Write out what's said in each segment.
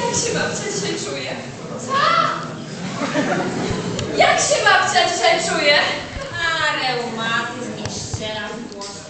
Jak się babcia dzisiaj czuje? Co? Jak się babcia dzisiaj czuje? A, reumatyzm i ściera w włosach.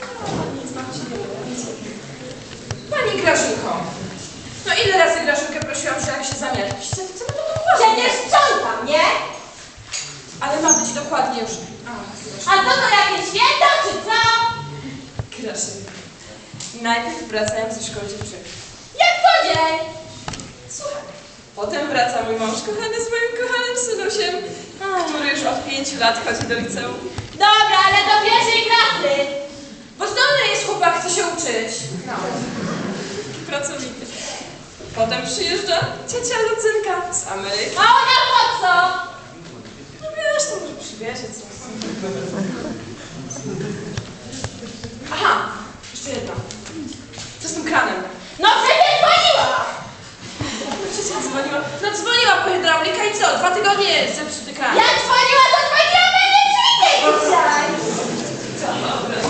Pani Grażynko, no ile razy Grażynkę prosiłam, że jak się zamiarliście, to chcemy to uważać. Przecież sprzątam, nie? Ale ma być dokładnie już. A to jakieś święto, czy co? Grażynka. Najpierw wracają ze szkoły dziewczynki. Jak co dzień? Słuchaj. Potem wraca mój mąż kochany z moim kochanym synusiem, który już od 5 lat chodzi do liceum. Dobra, ale do pierwszej klasy. Bo zdolny jest chłopak, chce się uczyć. No. Taki pracowity. Potem przyjeżdża ciocia Lucynka z Ameryki. A ona po co? No wiesz, to może przywiezie coś. Aha, jeszcze jedno. Co z tym kranem? No przecież dzwoniła. Ciocia dzwoniła. No dzwoniła po hydraulika i co? 2 tygodnie zepsuty kran. Jak dzwoniła, to dzwoniła na mnie dzisiaj. Dobra.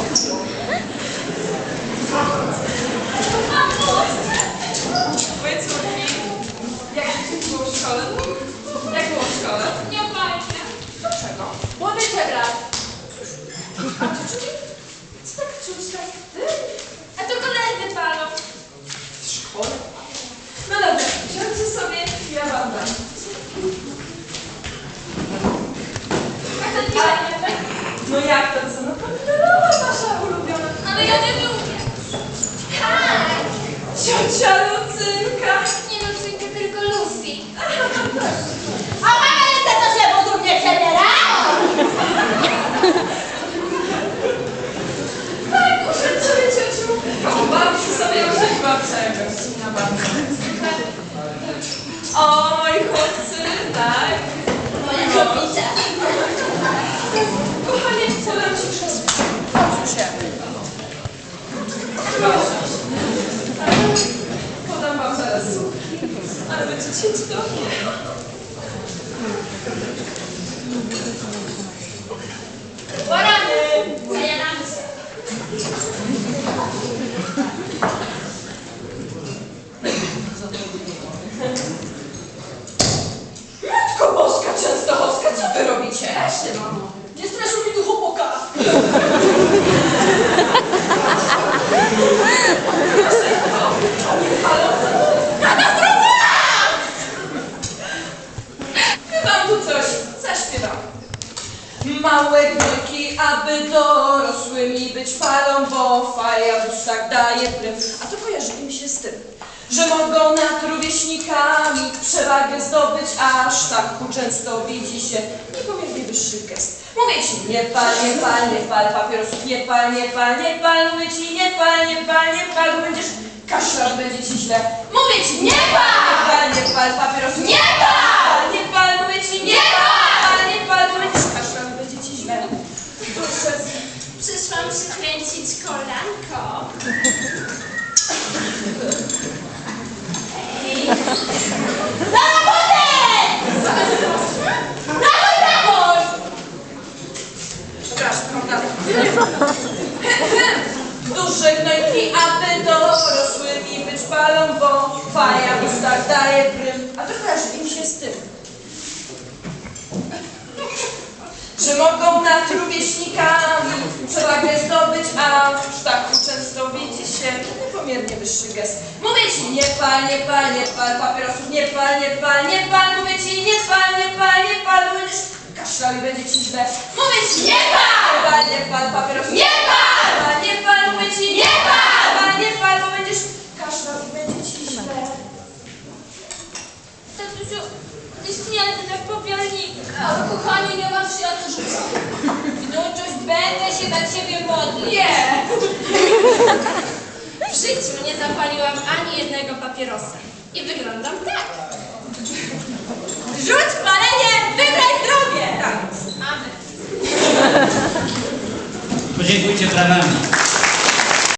Twoje córki, jak było w szkole? Jak było w szkole? Nie fajnie. Dlaczego? Młody brat. A dziewczyny? Co tak czuć tak? A to koledzy palą. W szkole? No dobra, siądźcie sobie, ja wam dam. A to nie tak? No jak to co? No pomidorowa wasza ulubiona. Ale ja nie lubię. Tak. Ciocia Lucynka. Nie Lucynka, tylko Lucy. A mama jeszcze to się podobnie przebiera? Tak, usiądź sobie ciociu. Pobawić sobie usiądź babcia jakaś inna babcia. O, moi chłopcy, tak. Moja kobieta. Kochanie, podam ci krzesło. Chodź się. Proszę. Podam wam zaraz słupki, ale będziecie cudownie. Porany. Zajadamy się. Matko Boska Częstochowska, co wy robicie? Weźcie, mamo. Nie straszył mi tu chłopaka. Wam tu coś zaśpiewam. Małe gnojki, aby dorosłymi być falą, bo faja w ustach daje prym. A to kojarzy mi się z tym, że mogą nad rówieśnikami przewagę zdobyć, aż tak często widzi się niepomiernie wyższy gest. Mówię ci, nie pal papierosów, nie pal, mówię ci, nie pal, bo będziesz kaszlał, będzie ci źle. Mówię ci, nie pal papierosów, nie pal, mówię ci, nie pal, bo będziesz kaszlał, będzie ci źle. Proszę. Przyszłam przykręcić kolanko. Ej. Na robotę! Dawaj! Przepraszam, prawda? Duże gnojki, aby dorosłymi być palą, bo faja w ustach daje prym. A to kojarzy im się z tym, że mogą nad rówieśnikami przewagę zdobyć, a tak często widzi się niepomiernie wyższy gest. Mówię ci, nie pal papierosów, nie pal, mówię ci, nie pal, bo będziesz kaszlał i będzie ci źle. Mówię ci, nie pal papierosów, nie pal, mówię ci, nie pal, bo będziesz kaszlał i będzie ci źle. Tatusiu, istnieje tak popielnika. Ale kochanie, nie masz się o to rzucać. Wnuczuś, będę się na ciebie modlić. Nie! W życiu nie zapaliłam ani jednego papierosa. I wyglądam tak. Rzuć palenie, wygraj zdrowie! Tak. Amen. Podziękujcie brawami.